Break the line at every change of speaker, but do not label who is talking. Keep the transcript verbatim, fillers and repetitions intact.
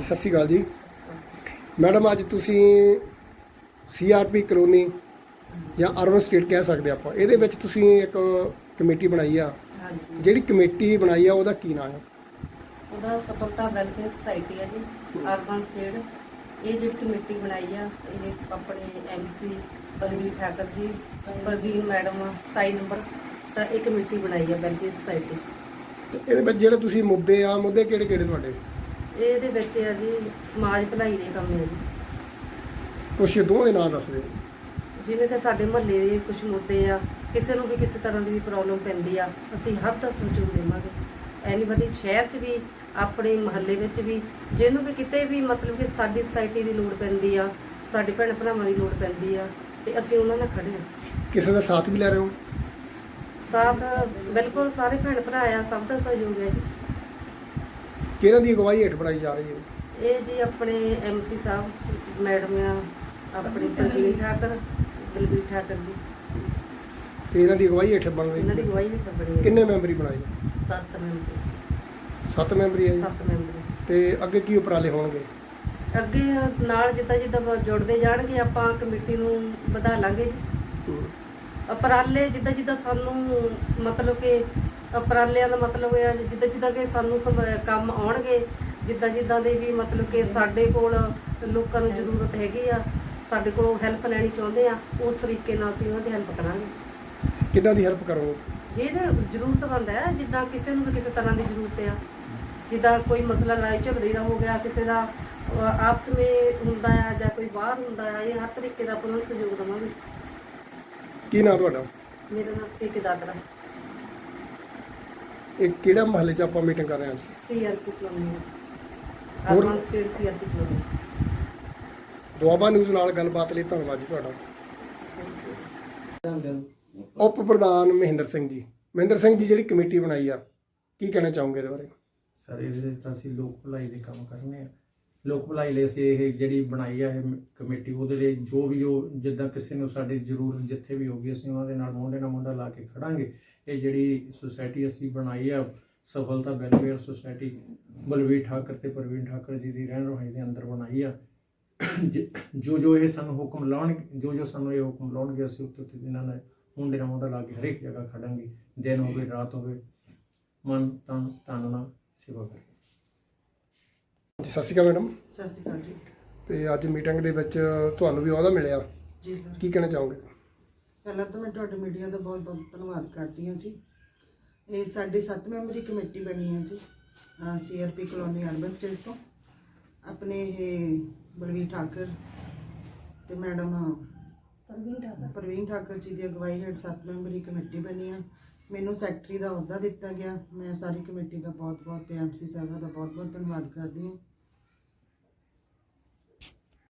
ਸਤਿ ਸ਼੍ਰੀ ਅਕਾਲ ਜੀ ਮੈਡਮ। ਅੱਜ ਤੁਸੀਂ ਸੀ ਆਰ ਪੀ ਕਲੋਨੀ ਜਾਂ ਅਰਬਨ ਸਟੇਟ ਕਹਿ ਸਕਦੇ ਆਪਾਂ, ਇਹਦੇ ਵਿੱਚ ਤੁਸੀਂ ਇੱਕ ਕਮੇਟੀ ਬਣਾਈ ਆ।
ਹਾਂਜੀ,
ਜਿਹੜੀ ਕਮੇਟੀ ਬਣਾਈ ਆ ਉਹਦਾ ਕੀ ਨਾਮ ਹੈ?
ਉਹਦਾ ਸਫਲਤਾ ਵੈਲਫੇਅਰ ਸੁਸਾਇਟੀ ਹੈ ਜੀ, ਅਰਬਨ ਸਟੇਟ। ਇਹ ਜਿਹੜੀ ਕਮੇਟੀ ਬਣਾਈ ਆ, ਇਹ ਆਪਣੇ ਐਮ ਸੀ ਬਲਵੀਰ ਠਾਕਰ ਜੀ, ਪ੍ਰਵੀਨ ਮੈਡਮ ਸਤਾਈ ਨੰਬਰ ਤਾਂ ਇਹ ਕਮੇਟੀ ਬਣਾਈ ਆ ਵੈਲਫੇਅਰ ਸੁਸਾਇਟੀ।
ਤੇ ਇਹਦੇ ਵਿੱਚ ਜਿਹੜੇ ਤੁਸੀਂ ਮੁੱਦੇ ਆ, ਮੁੱਦੇ ਕਿਹੜੇ ਕਿਹੜੇ ਤੁਹਾਡੇ?
ਇਹਦੇ ਵਿੱਚ ਆ ਜੀ ਸਮਾਜ ਭਲਾਈ ਦੇ ਕੰਮ ਹੈ ਜੀ।
ਕੁਛ ਦੋਵਾਂ ਦੇ ਨਾਂ ਦੱਸ ਦਿਓ।
ਜਿਵੇਂ ਕਿ ਸਾਡੇ ਮੁਹੱਲੇ ਦੇ ਕੁਝ ਮੁੱਦੇ ਆ, ਕਿਸੇ ਨੂੰ ਵੀ ਕਿਸੇ ਤਰ੍ਹਾਂ ਦੀ ਵੀ ਪ੍ਰੋਬਲਮ ਪੈਂਦੀ ਆ, ਅਸੀਂ ਹਰ ਦਾ ਸਹਿਯੋਗ ਦੇਵਾਂਗੇ। ਐਨੀਬਡੀ ਸ਼ਹਿਰ 'ਚ ਵੀ, ਆਪਣੇ ਮੁਹੱਲੇ ਵਿੱਚ ਵੀ, ਜਿਹਨੂੰ ਵੀ ਕਿਤੇ ਵੀ ਮਤਲਬ ਕਿ ਸਾਡੀ ਸੁਸਾਇਟੀ ਦੀ ਲੋੜ ਪੈਂਦੀ ਆ, ਸਾਡੇ ਭੈਣ ਭਰਾਵਾਂ ਦੀ ਲੋੜ ਪੈਂਦੀ ਆ, ਤੇ ਅਸੀਂ ਉਹਨਾਂ ਨਾਲ ਖੜੇ ਹਾਂ।
ਕਿਸੇ ਦਾ ਸਾਥ ਵੀ ਲੈ ਰਹੇ ਹੋ?
ਸਾਥ ਬਿਲਕੁਲ ਸਾਰੇ ਭੈਣ ਭਰਾ ਆ, ਸਭ ਦਾ ਸਹਿਯੋਗ ਹੈ ਜੀ।
ਕਿਹਨਾਂ ਦੀ ਅਗਵਾਈ ਹੇਠ ਬਣਾਈ ਜਾ ਰਹੀ ਹੈ?
ਇਹ ਜੀ ਆਪਣੇ ਐਮ ਸੀ ਸਾਹਿਬ ਮੈਡਮ ਆ, ਆਪਣੇ ਪ੍ਰਵੀਨ ਠਾਕਰ, ਬਲਬੀਰ ਠਾਕਰ ਜੀ,
ਤੇ ਇਹਨਾਂ ਦੀ ਅਗਵਾਈ ਹੇਠ ਬਣ ਰਹੀ
ਇਹਨਾਂ ਦੀ
ਹੈ।
ਅਗਵਾਈ ਹੇਠ ਬਣੀ ਹੈ।
ਕਿੰਨੇ ਮੈਂਬਰੀ ਬਣਾਈ?
ਸੱਤ ਮੈਂਬਰ
ਸੱਤ ਮੈਂਬਰੀ ਹੈ ਜੀ।
ਸੱਤ ਮੈਂਬਰ
ਤੇ ਅੱਗੇ ਕੀ ਉਪਰਾਲੇ ਹੋਣਗੇ?
ਅੱਗੇ ਨਾਲ ਜਿੱਦਾਂ ਜਿੱਦਾਂ ਜੁੜਦੇ ਜਾਣਗੇ ਆਪਾਂ ਕਮੇਟੀ ਨੂੰ ਵਧਾ ਲਾਂਗੇ ਜੀ।
ਹੂੰ।
ਉਪਰਾਲੇ ਜਿੱਦਾਂ ਜਿੱਦਾਂ ਸਾਨੂੰ ਮਤਲਬ ਕਿ ਉਪਰਾਲਿਆਂ ਦਾ ਮਤਲਬ ਇਹ ਆ ਵੀ ਜਿੱਦਾਂ ਜਿੱਦਾਂ ਕਿ ਸਾਨੂੰ ਸਮ- ਕੰਮ ਆਉਣਗੇ, ਜਿੱਦਾਂ ਜਿੱਦਾਂ ਦੇ ਵੀ ਮਤਲਬ ਕਿ ਸਾਡੇ ਕੋਲ ਲੋਕਾਂ ਨੂੰ ਜ਼ਰੂਰਤ ਹੈਗੀ ਆ, ਸਾਡੇ ਕੋਲੋਂ ਹੈਲਪ ਲੈਣੀ ਚਾਹੁੰਦੇ ਆ, ਉਸ ਤਰੀਕੇ ਨਾਲ ਅਸੀਂ ਉਹਨਾਂ ਦੀ ਹੈਲਪ ਕਰਾਂਗੇ।
ਕਿੱਦਾਂ ਦੀ ਹੈਲਪ ਕਰੋਗੇ?
ਜਿਹਦੇ ਜ਼ਰੂਰਤਮੰਦ ਹੈ, ਜਿੱਦਾਂ ਕਿਸੇ ਨੂੰ ਵੀ ਕਿਸੇ ਤਰ੍ਹਾਂ ਦੀ ਜ਼ਰੂਰਤ ਆ, ਜਿੱਦਾਂ ਕੋਈ ਮਸਲਾ ਲੜਾਈ ਝਗੜੇ ਦਾ ਹੋ ਗਿਆ, ਕਿਸੇ ਦਾ ਅਹ, ਆਪਸ ਵਿੱਚ ਹੁੰਦਾ ਆ ਜਾਂ ਕੋਈ ਬਾਹਰ ਹੁੰਦਾ ਆ, ਇਹ ਹਰ ਤਰੀਕੇ ਦਾ ਆਪਾਂ ਨੂੰ ਸਹਿਯੋਗ ਦੇਵਾਂਗੇ।
ਕੀ ਨਾਮ ਤੁਹਾਡਾ?
ਮੇਰਾ ਨਾਮ ਪੀਕੇ ਦਾਦਰਾ,
ਇਹ ਕਿਹੜਾ ਮਹੱਲੇ 'ਚ ਆਪਾਂ ਮੀਟਿੰਗ ਕਰ ਰਹੇ ਹਾਂ?
ਸੀ ਆਰ ਪੀ ਕਲੋਨੀ,
ਹੋਰ?
Urban estate C R P colony.
Doaba news ਨਾਲ ਗੱਲਬਾਤ ਲਈ ਧੰਨਵਾਦ ਜੀ ਤੁਹਾਡਾ। ਉਪ ਪ੍ਰਧਾਨ ਮਹਿੰਦਰ ਸਿੰਘ ਜੀ। ਮਹਿੰਦਰ ਸਿੰਘ ਜੀ, ਜਿਹੜੀ ਕਮੇਟੀ ਬਣਾਈ ਆ, ਕੀ ਕਹਿਣਾ ਚਾਹੋਗੇ ਇਹਦੇ ਬਾਰੇ?
ਸਰ, ਇਹਦੇ ਵਿੱਚ ਤਾਂ ਅਸੀਂ ਲੋਕ ਭਲਾਈ ਦੇ ਕੰਮ ਕਰਨੇ ਆ। ਲੋਕ ਭਲਾਈ ਲਈ ਅਸੀਂ ਇਹ ਜਿਹੜੀ ਬਣਾਈ ਆ ਇਹ ਕਮੇਟੀ, ਉਹਦੇ ਲਈ ਜੋ ਵੀ ਉਹ ਜਿੱਦਾਂ ਕਿਸੇ ਨੂੰ ਸਾਡੀ ਜ਼ਰੂਰਤ ਜਿੱਥੇ ਵੀ ਹੋਗੀ, ਅਸੀਂ ਉਹਨਾਂ ਦੇ ਨਾਲ ਮੋਢੇ ਨਾਲ ਮੋਢਾ ਲਾ ਕੇ ਖੜਾਂਗੇ। ਇਹ ਜਿਹੜੀ ਸੁਸਾਇਟੀ ਅਸੀਂ ਬਣਾਈ ਆ ਸਫਲਤਾ ਵੈਲਫੇਅਰ ਸੁਸਾਇਟੀ, ਬਲਵੀਰ ਠਾਕਰ ਤੇ ਪ੍ਰਵੀਨ ਠਾਕਰ ਜੀ ਦੀ ਰਹਿਣ ਰਹਾਈ ਦੇ ਅੰਦਰ ਬਣਾਈ ਆ। ਜੋ ਜੋ ਇਹ ਸਾਨੂੰ ਹੁਕਮ ਲਾਉਣਗੇ, ਜੋ ਜੋ ਸਾਨੂੰ ਇਹ ਹੁਕਮ ਲਾਉਣਗੇ, ਅਸੀਂ ਉੱਤੇ ਉੱਤੇ ਇਹਨਾਂ ਨਾਲ ਮੋਢੇ ਨਾਲ ਮੋਢਾ ਲਾ ਕੇ ਹਰੇਕ ਜਗ੍ਹਾ ਖੜਾਂਗੇ। ਦਿਨ ਹੋਵੇ ਰਾਤ ਹੋਵੇ, ਮਨ ਤਨ ਧਨ ਨਾਲ ਸੇਵਾ ਕਰਾਂਗੇ।
ਸਤਿ ਸ਼੍ਰੀ ਅਕਾਲ ਮੈਡਮ।
ਸਤਿ ਸ਼੍ਰੀ ਅਕਾਲ ਜੀ।
ਤੇ ਅੱਜ ਮੀਟਿੰਗ ਦੇ ਵਿੱਚ ਤੁਹਾਨੂੰ ਵੀ ਅਹੁਦਾ ਮਿਲਿਆ,
ਜੀ ਸਰ,
ਕੀ ਕਹਿਣਾ ਚਾਹੋਗੇ?
ਪਹਿਲਾਂ ਤਾਂ ਮੈਂ ਤੁਹਾਡੇ ਮੀਡੀਆ ਦਾ ਬਹੁਤ ਬਹੁਤ ਧੰਨਵਾਦ ਕਰਦੀ ਹਾਂ ਜੀ। ਇਹ ਸਾਡੀ ਸੱਤ ਮੈਂਬਰੀ ਕਮੇਟੀ ਬਣੀ ਹੈ ਜੀ, C R P colony urban estate ਤੋਂ। ਆਪਣੇ ਇਹ ਬਲਵੀਰ ਠਾਕਰ ਤੇ ਮੈਡਮ ਪ੍ਰਵੀਨ ਠਾਕਰ ਜੀ ਦੀ ਅਗਵਾਈ ਹੇਠ ਸੱਤ ਮੈਂਬਰੀ ਕਮੇਟੀ ਬਣੀ ਆ। ਮੈਨੂੰ ਸੈਕਟਰੀ ਦਾ ਅਹੁਦਾ ਦਿੱਤਾ ਗਿਆ। ਮੈਂ ਸਾਰੀ ਕਮੇਟੀ ਦਾ ਬਹੁਤ ਬਹੁਤ ਤੇ ਐਮ ਸੀ ਸਾਹਿਬਾਂ ਦਾ ਬਹੁਤ ਬਹੁਤ ਧੰਨਵਾਦ ਕਰਦੀ ਹਾਂ।